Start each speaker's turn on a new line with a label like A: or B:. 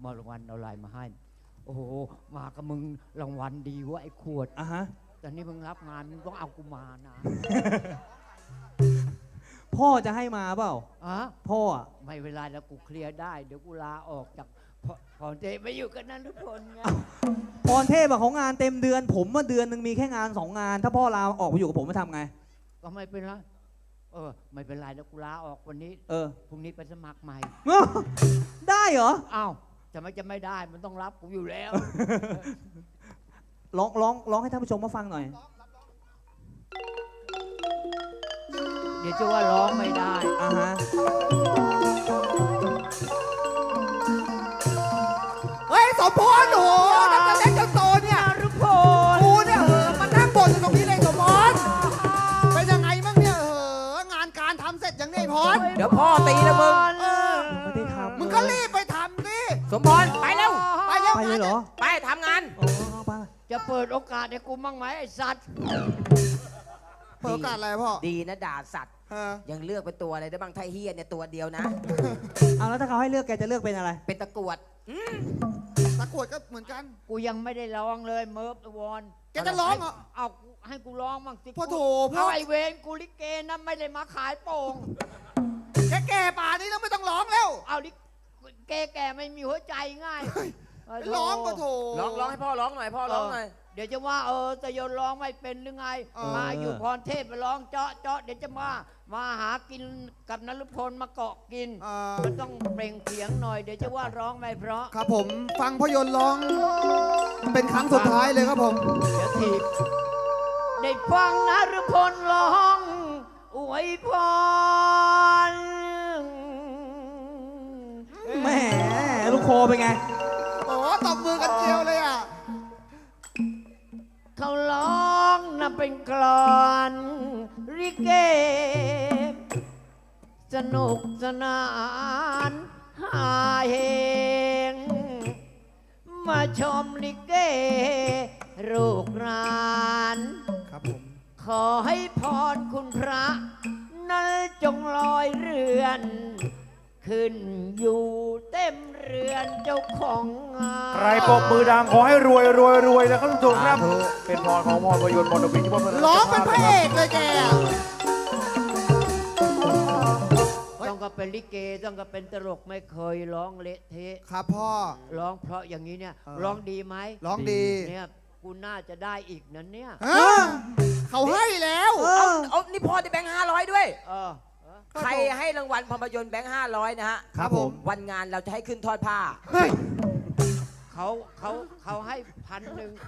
A: ารางวัลเอาอะไรมาให้โอ้โหมากับมึงรางวัลดีวะไอ้ขวด
B: ฮะ
A: ตอนนี้มึงรับงานมึงต้องเอากูมานะ
B: พ่อจะให้มาเปล่าพ่อ
A: ไม่เวลาแล้วกูเคลียร์ได้เดี๋ยวกูลาออกจากพรเทพไปอยู่กันนั้นทุกคนไง
B: พรเทพของงานเต็มเดือนผมว่าเดือนหนึ่งมีแค่งาน2 งานถ้าพ่อลาออกไปอยู่กับผมจะทำไง
A: ก็ไม่เป็นไรไม่เป็นไรแล้วกูลาออกวันนี้พรุ่งนี้ไปสมัครใหม่
B: ได้เหรอ
A: อ้าวจะไม่ได้มันต้องรับกูอยู่แล้ว
B: ร้องให้ท่านผู้ชมมาฟังหน่อย
A: เดี๋ยวจะว่าร้องไม่ได้
B: ฮะ
C: เฮ้ยสมพรโอ้โหตั้งแต่เล็กจนโตเนี่ย
A: ทุกค
C: นกูเนี่ยมานั่งบ่นอยู่ตรงนี้เลยสมพรเป็นยังไงมั่งเนี่ยงานการทำเสร็จยังไงพร
D: เดี๋ยวพ่อตีแล้วมึง
B: ไม่ได้ทำ
C: มึงก็รีบไปทำดิ
D: สมพรไปเร็ว
C: ไปเร็ว
B: ไปเลยเหรอ
D: ไปทำงาน
A: จะเปิดโอกาสให้กูมั่งไหมไอ้สัตว์
C: เปิดโอกาสอะไรพ่อ
D: ดีนะด่าสัตว์ยังเลือกเป็นตัวอะไรได้บ้างไทเฮียเนี่ยตัวเดียวนะ
B: เอาแล้วถ้าเขาให้เลือกแกจะเลือกเป็นอะไร
D: เป็นตะกรวด
C: ตะกรวดก็เหมือนกัน
A: กูยังไม่ได้ร้องเลยเมิร์ฟวอน
C: แกจะร้องเหรอ
A: เอาให้กูร้องมั่งสิ
C: พ่อโถพ่
A: อไอเวนกูลิเกนะไม่ได้มาขายโป่ง
C: แก่ป่านี้แล้วไม่ต้องร้องแล้ว
A: เอาดิแก่ไม่มีหัวใจง่าย
C: ร้องก็โถ
D: ร้องให้พ่อร้องหน่อยพ่อร้องหน่อย
A: เดี๋ยวจะว่าจะโยนร้องไม่เป็นหรือไงมาอยู่พรเทพไปร้องเจาะเดี๋ยวจะมาหากินกับนฤพลมาเกาะกินมันต้องเปล่งเสียงหน่อยเดี๋ยวจะว่าร้องไม่เพราะ
C: ครับผมฟังพ่อยนร้องเป็นครั้งสุดท้ายเลยครับผม
A: เดี๋ยวทีได้ฟังนฤพลร้องอวยพร
B: แหมลูกคอเป็นไง
C: โอ้ตบมือกันเจียวเลยอ่ะ
A: เขาร้องนะเป็นกลอนริเกสนุกสนานหาเฮงมาชมลิเกลูกหลาน
C: ครับผม
A: ขอให้พรคุณพระนั้นจงลอยเรือนขึ้นอยู่เต็มเรือนเจ้าของงาน
E: ใครปรบมือดังขอให้รวยนะครับทุกท่านครับเป็นพรของพรประยชน์มนต์พิชิต
C: ร้องเป็นพระเอกเลยแก
A: ต้องก็เป็นลิเกต้องก็เป็นตลกไม่เคยร้องเละเทะ
C: ครับพ่อ
A: ร้องเพราะอย่างนี้เนี่ยร้องดีไหม
C: ร้องดี
A: เนี่ยกูน่าจะได้อีกนั่นเนี่ย
C: เขาให้แล้ว
D: เอานี่พ่อได้แบงค์500ด้วยใครให้รางวัลภาพยนตร์แบงค์500นะฮะ
C: ครับผม
D: วันงานเราจะให้ขึ้นทอดผ้า
A: เขาให้1,000